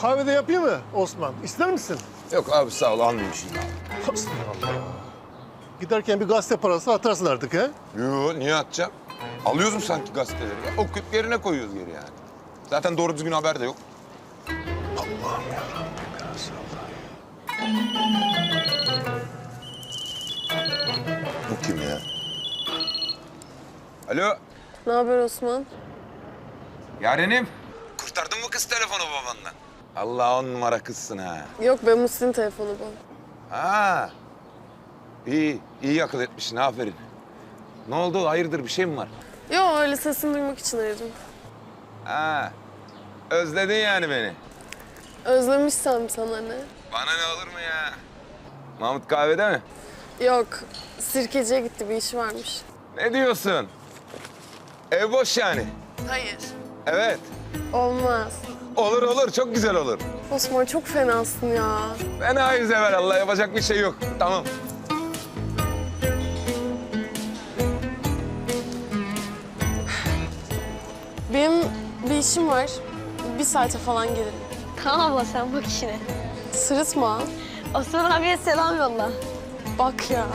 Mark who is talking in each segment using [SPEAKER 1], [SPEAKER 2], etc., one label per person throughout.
[SPEAKER 1] kahvede yapayım mı Osman? İster misin?
[SPEAKER 2] Yok abi sağ ol almayayım şimdi.
[SPEAKER 1] Allah. Giderken bir gazete parası atarsın artık he?
[SPEAKER 2] Yo niye atacağım? Alıyoruz mu sanki gazeteleri ya? Okuyup yerine koyuyoruz geri yani. Zaten doğru düzgün haber de yok.
[SPEAKER 1] Allah'ım yarabbim ya Resulallah.
[SPEAKER 2] Bu kim ya? Alo.
[SPEAKER 3] Ne haber Osman?
[SPEAKER 2] Yarenim. Kurtardın mı kız telefonu babandan? Allah 10 numara kızsın ha.
[SPEAKER 3] Yok be Musti'nin telefonu bu.
[SPEAKER 2] Ha. İyi, iyi akıl etmişsin aferin. Ne oldu? Hayırdır bir şey mi var?
[SPEAKER 3] Yok öyle sesini duymak için aradım.
[SPEAKER 2] Ha. Özledin yani beni.
[SPEAKER 3] Özlemişsem sana ne?
[SPEAKER 2] Bana ne olur mu ya? Mahmut kahvede mi?
[SPEAKER 3] Yok sirkeciye gitti bir işi varmış.
[SPEAKER 2] Ne diyorsun? Ev boş yani.
[SPEAKER 3] Hayır.
[SPEAKER 2] Evet.
[SPEAKER 3] Olmaz.
[SPEAKER 2] Olur olur çok güzel olur.
[SPEAKER 3] Osman çok fenasın ya.
[SPEAKER 2] Fenayız evvelallah yapacak bir şey yok. Tamam.
[SPEAKER 3] Benim bir işim var. Bir saate falan gelirim.
[SPEAKER 4] Tamam abla sen bak işine.
[SPEAKER 3] Sırıtma.
[SPEAKER 4] Osman abiye selam yolla.
[SPEAKER 3] Bak ya.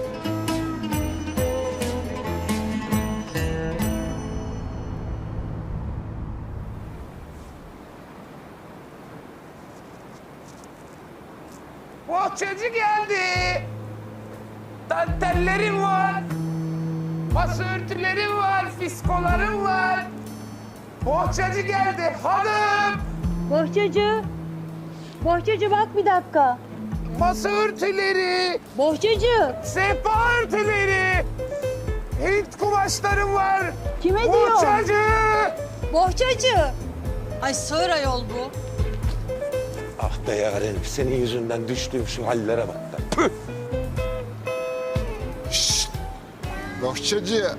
[SPEAKER 5] Bohçacı geldi. Dantellerim var. Masa örtülerim var, fiskolarım var. Bohçacı geldi hanım.
[SPEAKER 4] Bohçacı. Bohçacı bak bir dakika.
[SPEAKER 5] Masa örtüleri,
[SPEAKER 4] Bohçacı.
[SPEAKER 5] sehpa örtüleri. Hint kumaşlarım var.
[SPEAKER 4] Kime diyor?
[SPEAKER 5] Bohçacı.
[SPEAKER 4] Bohçacı. Ay sığır ayol bu.
[SPEAKER 2] Ah be yarenim senin yüzünden düştüğüm şu hallere bak da. Püh!
[SPEAKER 6] Bohçacı.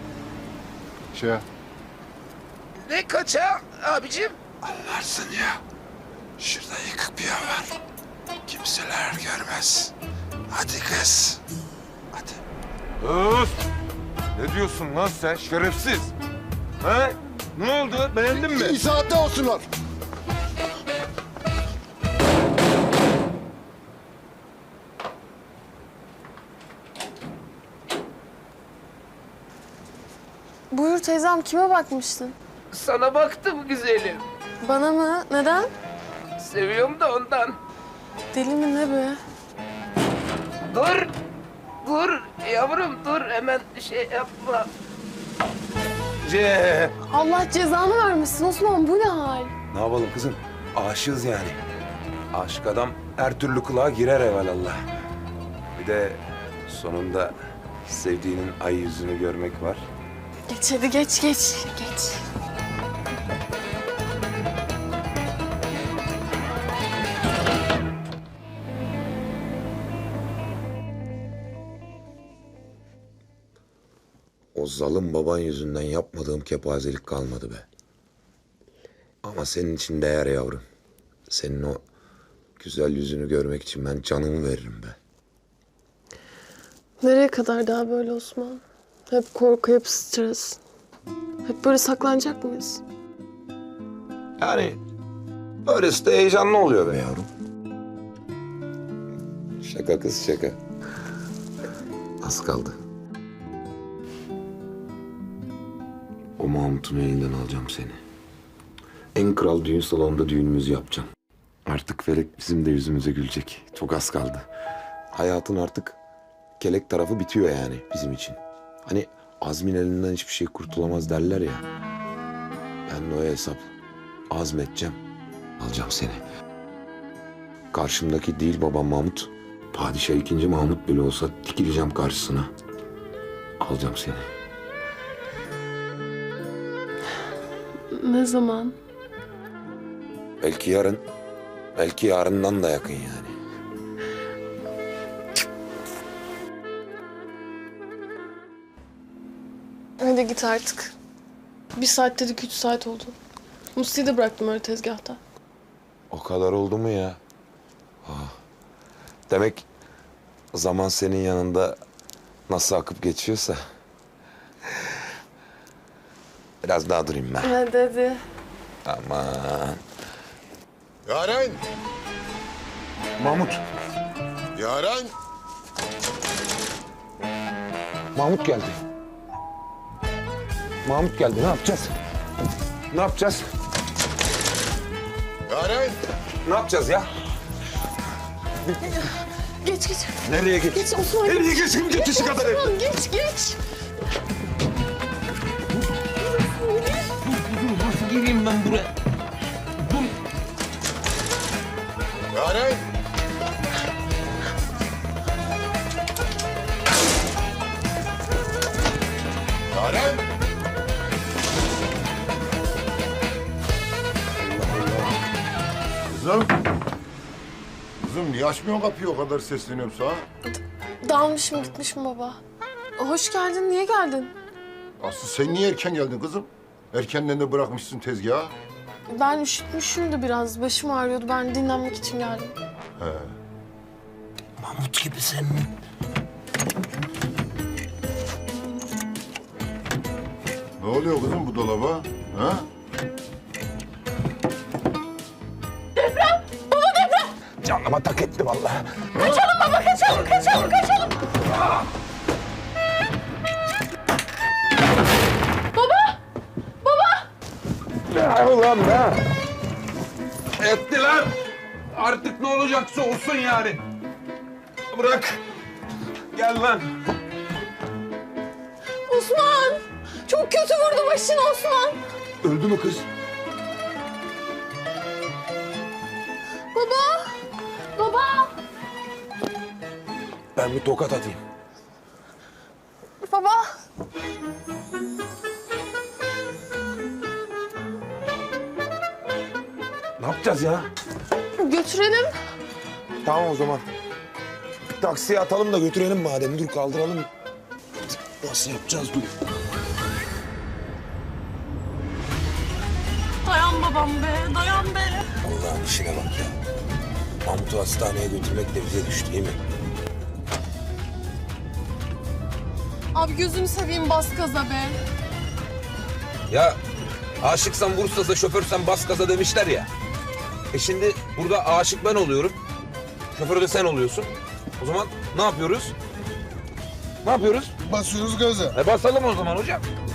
[SPEAKER 5] Ne kaça abicim?
[SPEAKER 6] Anlarsın ya. Şurada yıkık bir yer var. Kimseler görmez. Hadi kız. Hadi.
[SPEAKER 2] Öf! Ne diyorsun lan sen şerefsiz? Ha? Ne oldu? Beğendin mi?
[SPEAKER 6] İyi saatte olsunlar.
[SPEAKER 3] Buyur teyzem kime bakmıştın?
[SPEAKER 5] Sana baktım güzelim.
[SPEAKER 3] Bana mı? Neden?
[SPEAKER 5] Seviyorum da ondan.
[SPEAKER 3] Deli mi ne be?
[SPEAKER 5] Dur. Dur yavrum dur hemen şey yapma.
[SPEAKER 2] Cem.
[SPEAKER 3] Allah cezanı vermesin Osman bu ne hal?
[SPEAKER 2] Ne yapalım kızım? Aşığız yani. Aşık adam her türlü kulağa girer evvelallah. Bir de sonunda sevdiğinin ay yüzünü görmek var.
[SPEAKER 3] Geç hadi geç. Geç.
[SPEAKER 2] O zalim baban yüzünden yapmadığım kepazelik kalmadı be. Ama senin için değer yavrum. Senin o güzel yüzünü görmek için ben canımı veririm be.
[SPEAKER 3] Nereye kadar daha böyle Osman? Hep korku, hep stres. Hep böyle saklanacak mıyız?
[SPEAKER 2] Yani böylesi de heyecanlı oluyor be yavrum. Şaka kız şaka. Az kaldı. O Mahmut'un elinden alacağım seni. En kral düğün salonunda düğünümüzü yapacağım. Artık felek bizim de yüzümüze gülecek. Çok az kaldı. Hayatın artık kelek tarafı bitiyor yani bizim için. Hani Azmin elinden hiçbir şey kurtulamaz derler ya. Ben de o hesap azmedeceğim. Alacağım seni. Karşımdaki değil babam Mahmut. Padişah 2. Mahmut bile olsa dikileceğim karşısına. Alacağım seni.
[SPEAKER 3] Ne zaman?
[SPEAKER 2] Belki yarın, belki yarından da yakın yani.
[SPEAKER 3] Hadi git artık. Bir saat dedik 3 saat oldu. Musti'yi de bıraktım öyle tezgahta.
[SPEAKER 2] O kadar oldu mu ya? Ah. Demek zaman senin yanında nasıl akıp geçiyorsa... Biraz daha durayım ben.
[SPEAKER 3] Hadi.
[SPEAKER 2] Aman.
[SPEAKER 7] Yaren!
[SPEAKER 2] Mahmut.
[SPEAKER 7] Yaren!
[SPEAKER 2] Mahmut geldi. Mahmut geldi. Ne yapacağız? Ne yapacağız?
[SPEAKER 7] Yaren!
[SPEAKER 2] Ne yapacağız ya?
[SPEAKER 3] Geç geç.
[SPEAKER 2] Nereye geç?
[SPEAKER 3] Geç Osman.
[SPEAKER 2] Nereye geçeyim? Geçişi kadar et.
[SPEAKER 3] Osman geç geç.
[SPEAKER 5] Nasıl gireyim ben buraya?
[SPEAKER 7] Yaren! Yaren! Kızım! Kızım niye açmıyorsun kapıyı, o kadar sesleniyorum sana?
[SPEAKER 3] Dalmışım gitmişim baba. Hoş geldin. Niye geldin?
[SPEAKER 7] Aslı sen niye erken geldin kızım? Erkenden de bırakmışsın tezgahı.
[SPEAKER 3] Ben üşütmüşüm de biraz. Başım ağrıyordu. Ben dinlenmek için geldim.
[SPEAKER 5] Mahmut gibisin.
[SPEAKER 7] Ne oluyor kızım bu dolaba? Ha?
[SPEAKER 2] Canıma tak etti vallahi. Ne ulan be?
[SPEAKER 6] Etti lan. Artık ne olacaksa olsun yani. Bırak. Gel lan.
[SPEAKER 3] Osman! Çok kötü vurdu başını Osman.
[SPEAKER 2] Öldü mü kız?
[SPEAKER 3] Baba! Baba!
[SPEAKER 2] Ben bir tokat atayım.
[SPEAKER 3] Baba!
[SPEAKER 2] Ne yapacağız ya?
[SPEAKER 3] Götürelim.
[SPEAKER 2] Tamam o zaman. Bir taksiye atalım da götürelim madem. Dur kaldıralım. Nasıl yapacağız dur.
[SPEAKER 3] Dayan babam be, dayan be.
[SPEAKER 2] Allah'ın işine bak ya. Mahmut'u hastaneye götürmek de bize düştü değil mi?
[SPEAKER 3] Abi gözünü seveyim bas gaza be.
[SPEAKER 8] Ya aşıksan Bursa'da şoförsen bas gaza demişler ya. Şimdi burada aşık ben oluyorum. Şoför de sen oluyorsun. O zaman ne yapıyoruz? Ne yapıyoruz?
[SPEAKER 7] Basıyoruz gaza.
[SPEAKER 8] Basalım o zaman hocam.